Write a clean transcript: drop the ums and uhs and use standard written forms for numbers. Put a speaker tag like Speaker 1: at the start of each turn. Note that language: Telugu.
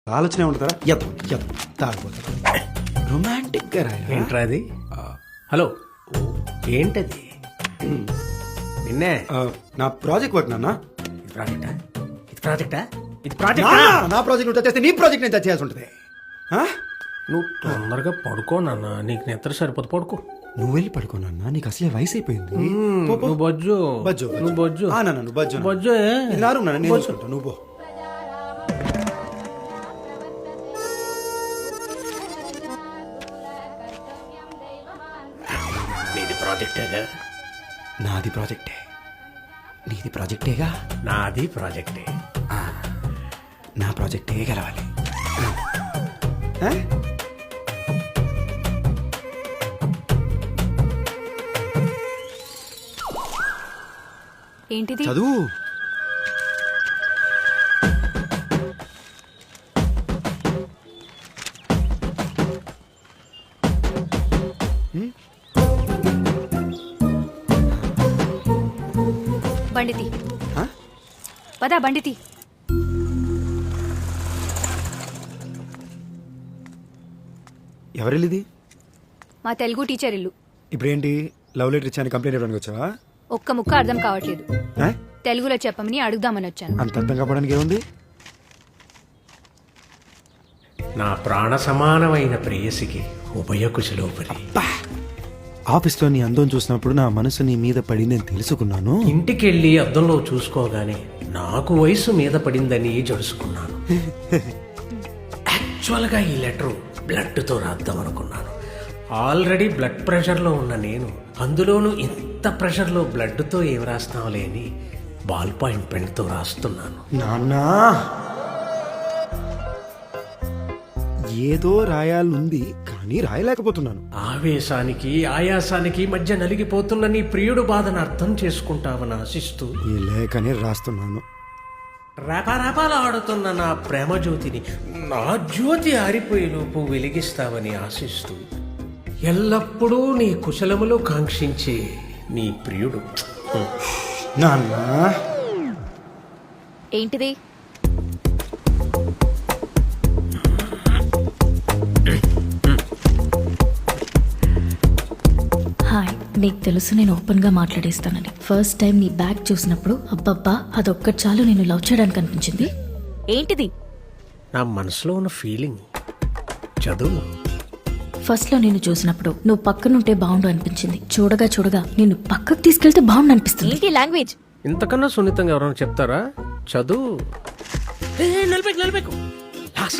Speaker 1: ఆలోచన ఉంటుందా తాగిపోతా రొమాంటిక్ గా రాయరా?
Speaker 2: ఏంట్రా అది? హలో, ఏంటది? నిన్నే
Speaker 1: నా ప్రాజెక్ట్ వర్క్ నాన్న.
Speaker 2: ఇది ప్రాజెక్టా?
Speaker 1: నా ప్రాజెక్ట్ నువ్వు చేస్తే నీ ప్రాజెక్ట్ నేను చేయాల్సి ఉంటుంది.
Speaker 2: నువ్వు తొందరగా పడుకో నాన్న, నీకు నిద్ర సరిపోదు, పడుకో.
Speaker 1: నువ్వు వెళ్ళి పడుకోనన్నా, నీకు అసలే వయసు అయిపోయింది.
Speaker 2: నువ్వు బొజ్జు నువ్వు బొజ్జు
Speaker 1: నువ్వు బజ్జు
Speaker 2: బొజ్జు
Speaker 1: నేను చూసుకుంటా, నువ్వు పో.
Speaker 2: నీది ప్రాజెక్టేగా?
Speaker 1: నాది ప్రాజెక్టే. నీది ప్రాజెక్టేగా?
Speaker 2: నాది ప్రాజెక్టే.
Speaker 1: నా ప్రాజెక్టే గెలవాలి.
Speaker 3: ఏంటిది?
Speaker 1: చదువు.
Speaker 3: బండితి పదా, బండితి.
Speaker 1: ఎవరిది?
Speaker 3: మా తెలుగు టీచర్ ఇల్లు.
Speaker 1: ఇప్పుడేంటి, లవ్ లెటర్ ఇచ్చాను కంప్లైంట్ ఇవ్వడానికి వచ్చావా?
Speaker 3: ఒక్క ముక్క అర్థం కావట్లేదు. తెలుగులో చెప్పమని అడుగుదామని వచ్చాను.
Speaker 1: అంత అర్థం కావడానికి ఏముంది?
Speaker 2: నా ప్రాణ సమానమైన ప్రేయసికి ఉభయ కుశలోపరి.
Speaker 1: ఆఫీస్లో నీ అందం చూసినప్పుడు నా మనసు నీ మీద పడిందని తెలుసుకున్నాను.
Speaker 2: ఇంటికెళ్ళి అద్దంలో చూసుకోగానే నాకు వయసు మీద పడిందని జడుసుకున్నాను. యాక్చువల్గా ఈ లెటర్ బ్లడ్తో రాద్దాం అనుకున్నాను. ఆల్రెడీ బ్లడ్ ప్రెషర్లో ఉన్న నేను అందులోనూ ఇంత ప్రెషర్లో బ్లడ్తో ఏం రాస్తాంలే అని బాల్ పాయింట్ పెన్తో రాస్తున్నాను.
Speaker 1: నాన్నా, ఏదో రాయాలనుంది కానీ రాయలేకపోతున్నాను.
Speaker 2: ఆవేశానికి ఆయాసానికి మధ్య నలిగిపోతున్న నీ ప్రియుడు బాధను అర్థం చేసుకుంటావని ఆశిస్తూ
Speaker 1: ఈ లేఖని రాస్తున్నాను.
Speaker 2: రేపారేపాలు ఆడుతున్న నా ప్రేమ జ్యోతిని నా జ్యోతి ఆరిపోయేలోపు వెలిగిస్తావని ఆశిస్తూ ఎల్లప్పుడూ నీ కుశలములు కాంక్షించే నీ ప్రియుడు.
Speaker 1: నాన్నా,
Speaker 3: ఏంటిది?
Speaker 4: హాయ్, నీకు తెలుసు నేను ఓపెన్గా మాట్లాడేస్తానని. ఫస్ట్ టైం నీ బ్యాగ్ చూసినప్పుడు అబ్బబ్బా అదొక్కటి చాలు నేను లవ్ చేయడానికి అనిపించింది.
Speaker 3: ఏంటిది?
Speaker 2: నా మనసులో ఉన్న ఫీలింగ్. చదువు.
Speaker 4: ఫస్ట్లో నేను చూసినప్పుడు నువ్వు పక్కనుంటే బాగుండు అనిపించింది. చూడగా చూడగా నేను పక్కకు తీసుకెళ్తే బాగుండు అనిపిస్తుంది.
Speaker 3: ఏంటి లాంగ్వేజ్?
Speaker 2: ఇంతకన్నా సున్నితంగా ఎవరైనా చెప్తారా? చదువు. నిలబెక్కు.